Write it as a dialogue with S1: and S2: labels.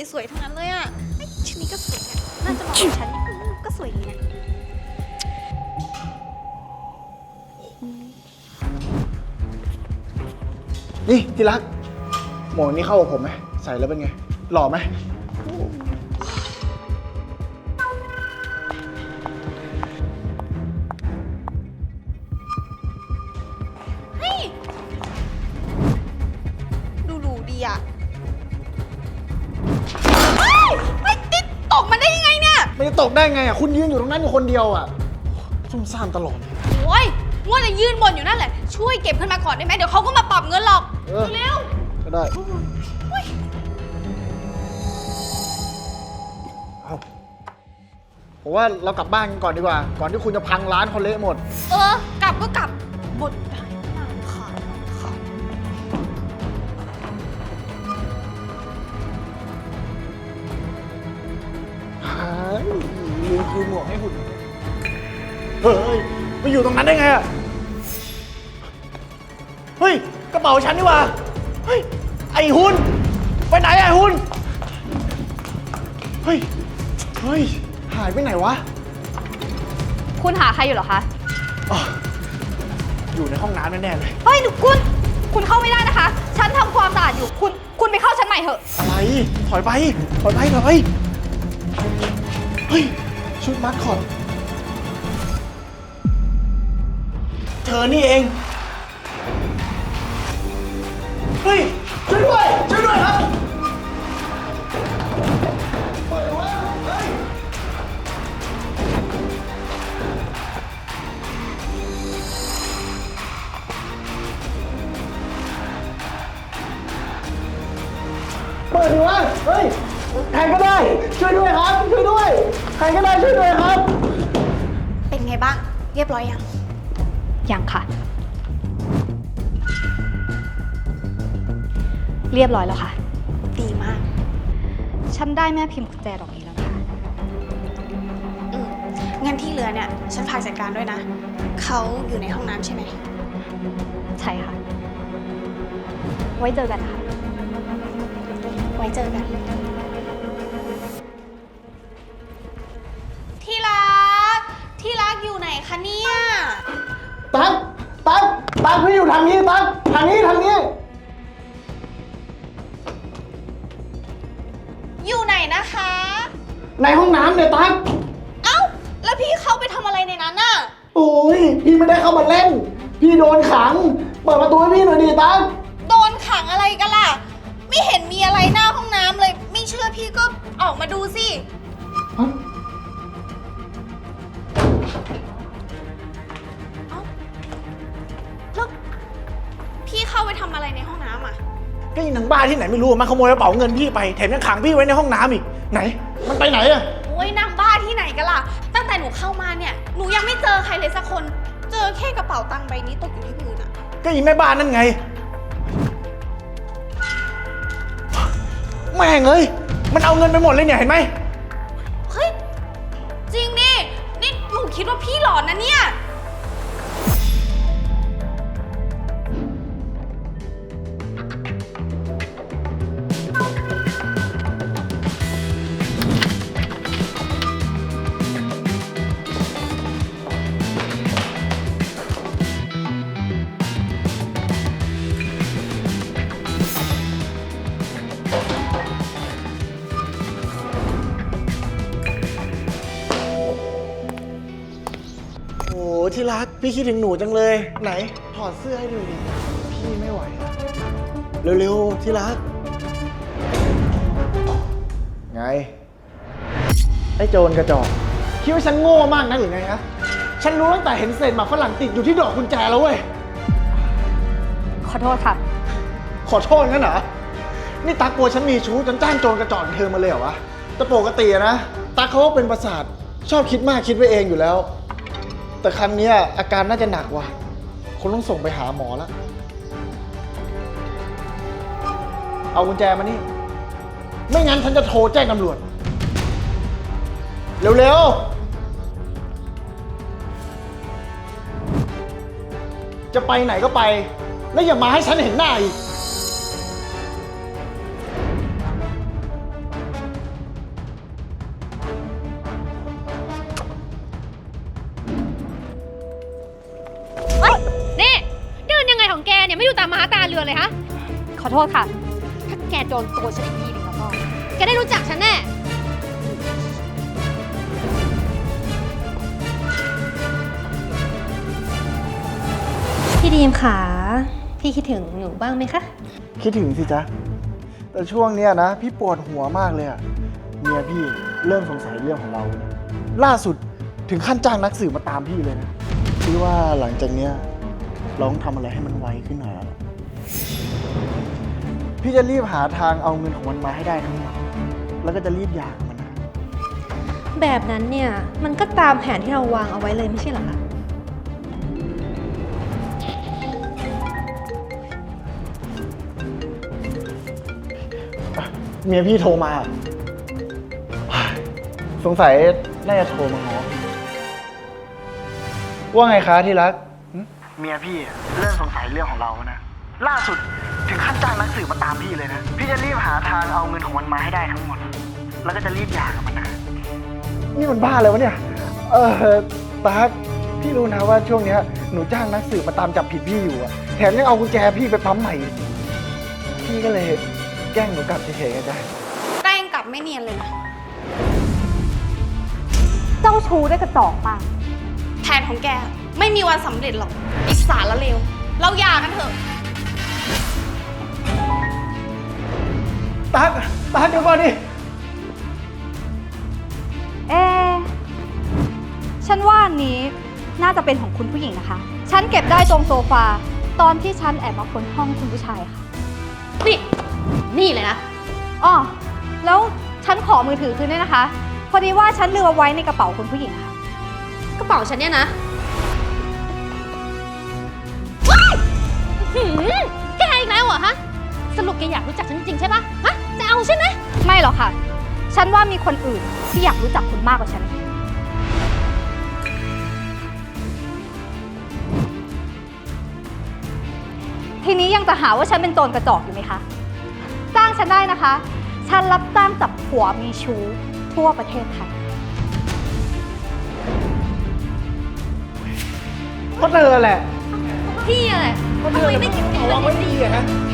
S1: สวยๆทั้งนั้นเลยอ่ะชุดนี้ก็สวยน่าจะเหมาะกับฉันก็สวยดีนะ
S2: นี่ที่รักหมวกนี้เข้ากับผมไหมใส่แล้วเป็นไงหล่อไหม
S1: ดูหรูดีอ่ะไม่ติดตกมันได้ยังไงเนี่ย
S2: ไม่จะตกได้ไงอ่ะคุณยืนอยู่ตรงนั้นอยู่คนเดียวอ่ะซุ่มซ่ามตลอดเลย
S1: โอ้ยมัวแต่ยืนบนอยู่นั่นแหละช่วยเก็บขึ้นมาก่อนได้ไหมเดี๋ยวเขาก็มาปรับเงินหรอกเร็ว
S2: ก็ได้เอาผมว่าเรากลับบ้านกันก่อนดีกว่า ก่อนที่คุณจะพังร้านคนเละหมด
S1: กลับก็กลับบทได้นานค่ะ
S2: ลืมคืนหมวกให้คุณเฮ้ยไปอยู่ตรงนั้นได้ไงอะเฮ้ยกระเป๋าฉันนี่หว่าเฮ้ยไอ้หุ่นไปไหนไอ้หุ่นเฮ้ยหายไปไหนวะ
S1: คุณหาใครอยู่เหรอคะ
S2: อ๋ออยู่ในห้องน้ำแน่ๆเลย
S1: เฮ้ยคุณเข้าไม่ได้นะคะฉันทำความสะอาดอยู่คุณไปเข้าชั้นใหม่เถอะ
S2: อะไรถอยไปเฮ้ยชุดมัดคอตเธอนี่เองเฮ้ยช่วยด้วยครับเปิดวะเฮ้ยเปิดดิวะเฮ้ยใครก็ได้ช่วยด้วยครับช่วยด้วยใครก็ได้ช่วยด้วยครับ
S1: เป็นไงบ้างเรียบร้อยยังค่ะเรียบร้อยแล้วค่ะดีมากฉันได้แม่พิมพ์กุญแจดอกนี้แล้วนะคะงั้นที่เหลือเนี่ยฉันฝากจัดการด้วยนะเขาอยู่ในห้องน้ำใช่ไหมใช่ค่ะไว้เจอกันค่ะไว้เจอกันที่รักอยู่ไหนคะเนี่ย
S2: ตั๊กพี่อยู่ทางนี้ตั๊กทางนี้
S1: อยู่ไหนนะคะ
S2: ในห้องน้ำเนี่ยตั๊ก
S1: เอ้าแล้วพี่เข้าไปทำอะไรในนั้นน่ะ
S2: โอ้ยพี่ไม่ได้เข้ามาเล่นพี่โดนขังเปิดประตูให้พี่หน่อยดิตั๊ก
S1: โดนขังอะไรกันล่ะไม่เห็นมีอะไรหน้าห้องน้ำเลยไม่เชื่อพี่ก็ออกมาดูสิแล้วพี่เข้าไปทำอะไรในห้องน้ำอ่ะ
S2: ก็อีหนังบ้าที่ไหนไม่รู้มันขโมยกระเป๋าเงินพี่ไปแถมยังขังพี่ไว้ในห้องน้ำอีกไหนมันไปไหนอะ
S1: โอ้ยนางบ้าที่ไหนกันล่ะตั้งแต่หนูเข้ามาเนี่ยหนูยังไม่เจอใครเลยสักคนเจอแค่กระเป๋าตังค์ใบนี้ตกอยู่ที่พื้นอ่ะ
S2: ก็อีแม่บ้านนั่นไงแม่งเอ้ยมันเอาเงินไปหมดเลยเนี่ยเห็นไหม
S1: เฮ้ยจริงดินี่หนูคิดว่าพี่หลอนนะเนี่ย
S2: โอ้ที่รักพี่คิดถึงหนูจังเลยไหนถอดเสื้อให้ดูดิพี่ไม่ไหวอะเร็วๆที่รักไงไอ้โจรกระจอกคิดว่าฉันโง่มากนะหรือไงฮะฉันรู้ตั้งแต่เห็นเศษหมากฝรั่งติดอยู่ที่ดอกกุญแจแล้วเว้ย
S1: ขอโทษค่ะ
S2: ขอโทษงั้นเหรอนี่ตั๊กกลัวฉันมีชู้จนจ้างโจรกระจอกเธอมาเลยเหรอวะแต่ปกตินะตั๊กเขาก็เป็นประสาทชอบคิดมากคิดไว้เองอยู่แล้วแต่ครั้งนี้อาการน่าจะหนักว่ะคงต้องส่งไปหาหมอแล้วเอากุญแจมานี่ไม่งั้นฉันจะโทรแจ้งตำรวจเร็วๆจะไปไหนก็ไปแล้วอย่ามาให้ฉันเห็นหน้าอีก
S3: เรือนเลยฮะ ขอโทษค่ะ ถ้าแกโดนตัวฉันอีกทีหนึงแล้วก็แกได้รู้จักฉันแน่ พี่ดีมค่ะ พี่คิดถึงหนูบ้างไหมคะ
S2: คิดถึงสิจ๊ะ แต่ช่วงเนี้ยนะ พี่ปวดหัวมากเลยอะเมียพี่เริ่มสงสัยเรื่องของเรา ล่าสุดถึงขั้นจ้างนักสืบมาตามพี่เลยนะพี่ว่าหลังจากเนี้ยเราต้องทำอะไรให้มันไวขึ้นหน่อยแล้วล่ะพี่จะรีบหาทางเอาเงินของมันมาให้ได้ทั้งหมดแล้วก็จะรีบหย่ากับมันนะ
S3: แบบนั้นเนี่ย มันก็ตามแผนที่เราวางเอาไว้เลยไม่ใช่เหรอคะ
S2: เมียพี่โทรมา สงสัยน่าจะโทรมาง้อว่าไงคะที่รักเมียพี่เริ่มสงสัยเรื่องของเรานะ ล่าสุดถึงขั้นจ้างนักสืบมาตามพี่เลยนะ พี่จะรีบหาทางเอาเงินของมันมาให้ได้ทั้งหมด แล้วก็จะรีบหย่ากับมันนะ นี่มันบ้าเลยวะเนี่ย ตั๊กพี่รู้นะว่าช่วงเนี้ยหนูจ้างนักสืบมาตามจับผิดพี่อยู่อะแถมยังเอากุญแจพี่ไปปั๊มใหม่อีกพี่ก็เลยแกล้งหนูกลับเฉยๆกันจ้ะ
S1: แกล้งกลับไม่เนียนเลยนะ
S3: เจ้าชู้ได้กระจอกมาก
S1: แผนของแกไม่มีวันสำเร็จหรอกอิสารละเลว เราหย่ากันเถอะ
S2: ตั๊กเดี๋ยวก่อนดิ
S3: ฉันว่าอันนี้น่าจะเป็นของคุณผู้หญิงนะคะ ฉันเก็บได้ตรงโซฟาตอนที่ฉันแอบมาค้นห้องคุณผู้ชายค่ะ นี่เลยนะอ๋อแล้วฉันขอมือถือคืนด้วยนะคะ พอดีว่าฉันลืมเอาไว้ในกระเป๋าคุณผู้หญิงค่ะ กระเป๋าฉันเนี่ยนะแกอีกแล้วเหรอฮะ สรุปแกอยากรู้จักฉันจริงใช่ปะฮะ จะเอาใช่ไหม ไม่หรอกค่ะ ฉันว่ามีคนอื่นที่อยากรู้จักคุณมากกว่าฉัน ทีนี้ยังจะหาว่าฉันเป็นโจรกระจอกอยู่ไหมคะ จ้างฉันได้นะคะ ฉันรับจ้างจับผัวมีชู้ทั่วประเทศไทย
S2: เพราะเธอแหละ
S3: พี่อะไรทำไมไม่คิดถึงเรื่องนี้
S2: ดีอะฮะ